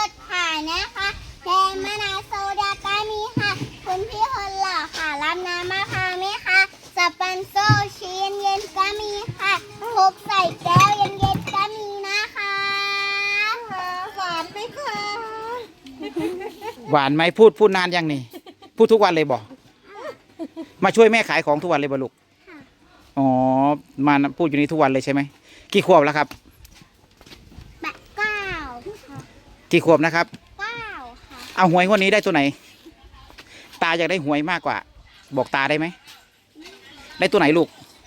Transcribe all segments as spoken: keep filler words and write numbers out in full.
ดค่ะนะคะแดงมะนาวโซดาก็มีค่ะคุณพี่คนหล่อค่ะรับน้ำมะพร้าวไหมคะสปันโซชีเย็นๆก็มีค่ะครบใส่แก้วเย็นๆก็มีนะคะหวานไหมคะหวานไหมพูดพูดนานยังนี่พูดทุกวันเลยบอกมาช่วยแม่ขายของทุกวันเลยบ่ลูกอ๋อมาพูดอยู่นี่ทุกวันเลยใช่ไหมกี่ขวบแล้วครับแปดเก้าค่ะกี่ขวบนะครับเก้าค่ะเอาหวยงวดนี้ได้ตัวไหน ตาอยากได้หวยมากกว่า บอกตาได้ไหมได้ตัวไหนลูก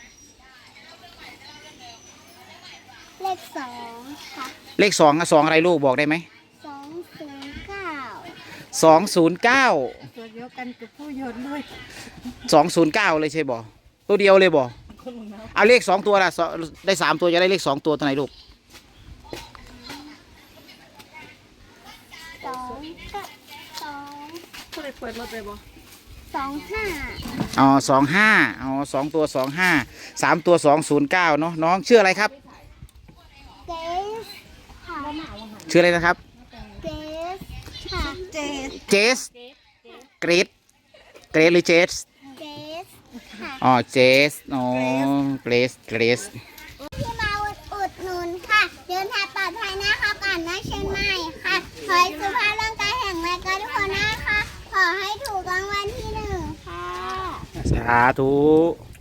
เลขสองค่ะเลขสองอะสองอะไรลูกบอกได้ไหมสองศูนย์เก้าสองศูนย์เก้าตัวเดียวกันกับผู้ยนต์ด้วยสองศูนย์เก้าเลยใช่บ่ตัวเดียวเลยบ่เอาเลขสองตัวละสองได้สามตัวจะได้เลขสองตัวตัวไหนลูกสองก็สองผู้ใดเปิดรถไปบ่สองห้าอ๋อสองห้าอ๋อสองตัวสองห้าสามตัวสองศูนย์เก้าเนาะน้องชื่ออะไรครับเกสค่ะชื่ออะไรนะครับเกสค่ะเจดเจสเกรดเกรดหรือเจสเกสค่ะอ๋อเจสอ๋อเกรสเกรสที่มาอุดอุดหนุนค่ะ เดินทางปลอดภัยนะคะก่อนนะเชียงใหม่ค่ะขอให้สุขภาพร่างกายแข็งแรงกันทุกคนนะคะขอให้ถูกรางวัลที่หนึ่งค่ะสาธุ